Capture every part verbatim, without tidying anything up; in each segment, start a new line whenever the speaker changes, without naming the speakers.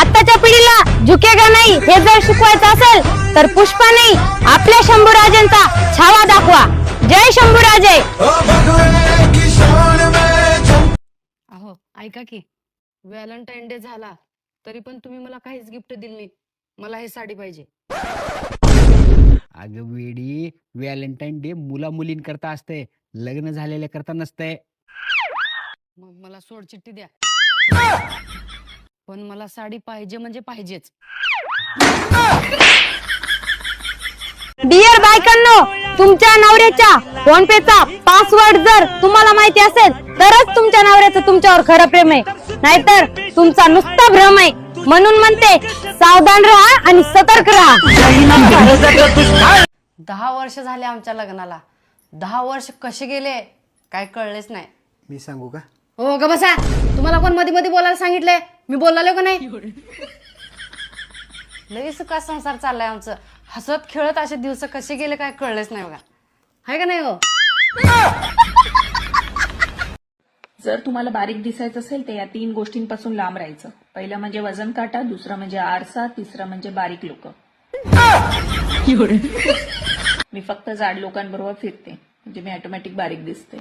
आताच्या पिढीला झुकेगा नाही हे जर शिकवायचं असेल तर पुष्पा नाही आपल्या शंभूराजेंचा छावा दाखवा. जय शंभूराजे.
अहो ऐका की, व्हॅलेंटाईन डे झाला तरी पण तुम्ही मला काहीच गिफ्ट दिली नाही. मला हे साडी पाहिजे.
अगं वेडी, व्हॅलेंटाईन डे मुला मुलींकरता असते, लग्न झालेल्या करता नसते.
मग मला सोड चिठ्ठी द्या, पण मला साडी पाहिजे म्हणजे पाहिजेच.
डिअर बायकांनो, तुमच्या नवऱ्याच्या फोन पेचा पासवर्ड जर तुम्हाला माहिती असेल तरच तुमच्या नवऱ्याचं तुमच्यावर खरं प्रेम आहे, नाहीतर तुमचा नुसता भ्रम आहे. म्हणून म्हणते सावधान राहा आणि सतर्क राहा.
दहा वर्ष झाले आमच्या लग्नाला. दहा वर्ष कसे गेले काय कळलेच नाही.
मी सांगू का?
हो ग बसा. तुम्हाला कोण मध्ये मध्ये बोलायला सांगितलंय? मी बोललो का नाही? लई सुखा संसार चाललाय आमचं. हसत खेळत असे दिवस कसे गेले काय कळलेच नाही बघा. हाय का नाही हो?
जर तुम्हाला बारीक दिसायचं असेल तर या तीन गोष्टींपासून लांब राहायचं. पहिलं म्हणजे वजन काटा, दुसरं म्हणजे आरसा, तिसरं म्हणजे बारीक लोक. मी फक्त जाड लोकांबरोबर फिरते म्हणजे मी ऑटोमॅटिक बारीक दिसते.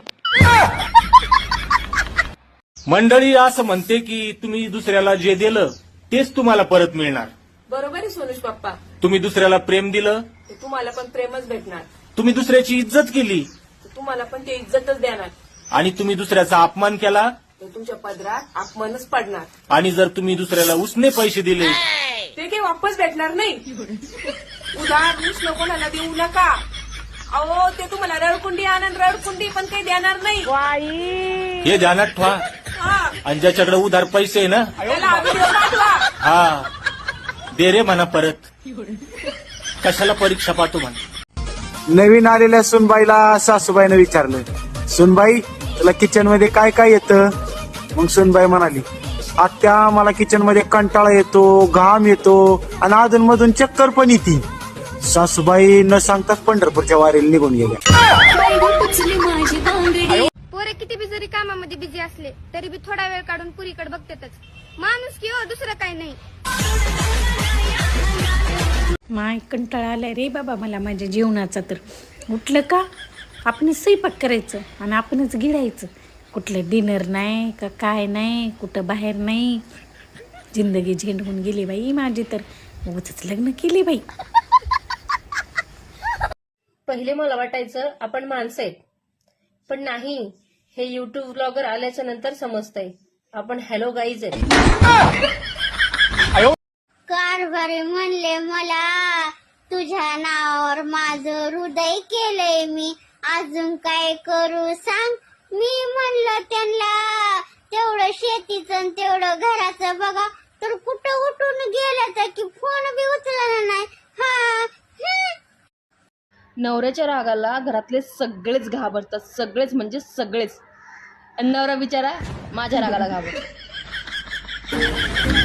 मंडळी असं म्हणते की तुम्ही दुसऱ्याला जे दिलं तेच तुम्हाला परत मिळणार.
बरोबर आहे सोनुष बाप्पा.
तुम्ही दुसऱ्याला प्रेम दिलं
तर तुम्हाला पण प्रेमच भेटणार.
तुम्ही दुसऱ्याची इज्जत केली
तर तुम्हाला पण ते इज्जतच देणार.
आणि तुम्ही दुसऱ्याचा अपमान केला
तर तुमच्या पदरात अपमानच पडणार.
आणि जर तुम्ही दुसऱ्याला उसने पैसे दिले
ते काही वापस भेटणार नाही. उधार उसनं कोणाला देऊ नका. अहो ते तुम्हाला रडकुंडी आनंद रडकुंडी पण काही देणार नाही.
हे ध्यानात ठेवा.
हा,
आणि ज्याच्याकडे उधार पैसे आहे ना,
त्याला व्हिडिओ पाठवा.
हा दे रे म्हणा परत. कशाला परीक्षा पाठवू म्हणा.
नवीन आलेल्या सुनबाईला सासूबाईनं विचारलं, सुनबाई तुला किचन मध्ये काय काय येतं? मग सुनबाई म्हणाली, आत्या मला किचन मध्ये कंटाळा येतो, घाम येतो आणि अधून मधून चक्कर पण येते. सासूबाई न सांगताच पंढरपूरच्या वारीला निघून गेल्या.
पोरे किती बी जरी कामामध्ये बिझी असले तरी बी थोडा वेळ काढून पुरीकडे बघतातच. माणूस की हो, दुसरं काही नाही.
माय कंटाळा आलाय रे बाबा मला माझ्या जीवनाचा. तर उठलं का आपण स्वयंपाक करायचं आणि आपणच गिळायचं. कुठलं डिनर नाही का काय नाही, कुठं बाहेर नाही. जिंदगी झेंडून गेली बाई माझी. तर उगाचच लग्न केली बाई.
पहिले मला वाटायचं आपण माणसं आहेत, पण नाही. हे युट्यूब ब्लॉगर आल्याच्या नंतर समजतंय आपण हॅलो गाईज आहेत.
कारभारी म्हणले मला तुझ्या नावावर माझं हृदय केलंय मी, अजून काय करू सांग. मी म्हणलं त्यांना तेवढं शेतीचं तेवढं घराचं बघा, तर कुठं उठून गेलं तर की फोन बी उचलला नाही. हा
नवऱ्याच्या रागाला घरातले सगळेच घाबरतात, सगळेच म्हणजे सगळेच. आणि नवरा बिचारा माझ्या रागाला घाबरतो.